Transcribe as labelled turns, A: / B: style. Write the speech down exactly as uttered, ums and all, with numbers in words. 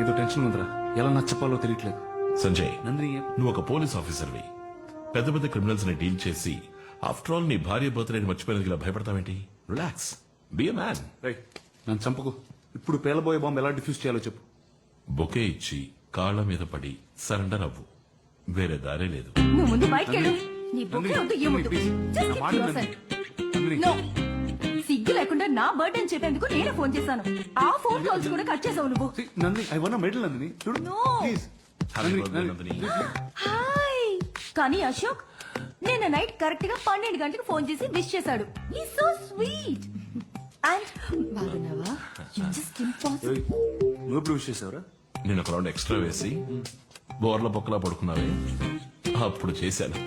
A: నాకేదో టెన్షన్ ఉందిరా, ఎలా నచ్చపాలో తెలియట్లేదు.
B: సంజయ్,
A: నందిని
B: నువ్వు ఒక పోలీస్ ఆఫీసర్వి. పెద్ద పెద్ద క్రిమినల్స్ ని డీల్ చేసి ఆఫ్టర్ ఆల్ నీ భార్య బర్త్డేని మర్చిపోయినందుకు ఇలా భయపడతావేంటి? Relax, be a man.
A: Right, నన్ను చంపకు. ఇప్పుడు పేలబోయే బాంబు ఎలా డిఫ్యూజ్ చేయాలో చెప్పు.
B: బొకే ఇచ్చి కాళ్ళ మీద పడి సరెండర్ అవ్వు, వేరే దారే లేదు.
C: నువ్వు ముందు బయటికి వెళ్ళు. నీ బొక్కే
A: నందిని,
C: వద్దు, ఏమొద్దు.
A: నందిని,
C: Just
A: నా
C: keep
A: మాట
C: yourself.
A: నందిని.
C: No. సిగ్గు లేకుండా నా బర్త్డే అని చెప్పేందుకు నేనే ఫోన్ చేశాను. ఆ ఫోన్ కాల్స్ కూడా కట్ చేసావు నువ్వు.
A: See, Nandini, I want a medal, Nandini. చూడు,
C: No.
A: please.
B: Happy
A: Nandini,
B: birthday,
A: Nandini.
B: Nandini.
C: Hi. కానీ అశోక్ నిన్న నైట్ కరెక్ట్ గా పన్నెండు గంటలకు ఫోన్ చేసి విష్ చేశాడు. ఈ సో స్వీట్. అండ్ బాగున్నావా? You just impossible.
A: ఏయ్, నువ్వు ఎప్పుడు విష్ చేసావురా?
B: నేను ఒక రౌండ్ ఎక్స్ట్రా వేసి బోర్ల పొక్కలా పడుకున్నావే, అప్పుడు చేశాను.